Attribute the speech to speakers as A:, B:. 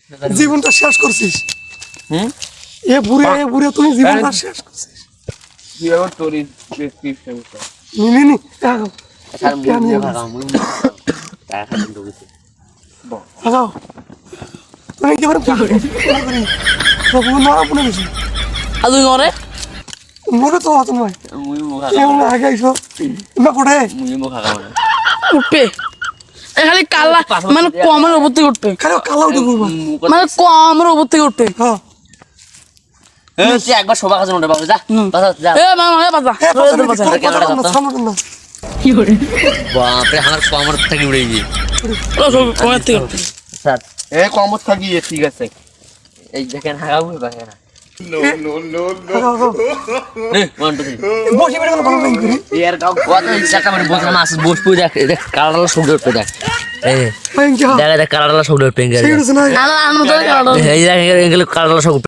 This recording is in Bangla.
A: জীবনটা শেষ করছিস এ বুড়ে তুমি জীবনটা শেষ করছিস
B: তোরই প্রেসক্রিপশন
A: নি লাগাও তুমি কি করে মনে বেশি
C: আর তুই নরে
A: মনে তো হতো নয় আগে আইসো না পড়ে
C: উঠবে খালি কালা মানে কমের উপর থেকে উঠবে
A: খালি কালা উঠে পড়বো
C: মানে কমের উপর থেকে উঠবে
A: হ্যাঁ
D: তুই একবার শোভা খাচ্ছ না বাবু যা যা
C: এ মা বাজা
D: বাপরে আমার কমর থেকে উড়ে গিয়ে
C: কমের থেকে উঠবে
D: স্যার
B: এ কমত থাকি ঠিক আছে
D: এই দেখেন হাগাবো বাকি না
A: বসে বেড়ে ভালো লাইন করি
D: এর গাও কত ইচ্ছা মানে বসে না আসে বসবো দেখ কালারলা সব উঠবে দেখ এই দেখ কালারলা সব উঠবে
A: ঠিক আছে না
C: আনো তো
D: এই দেখ এগুলো কালারলা সব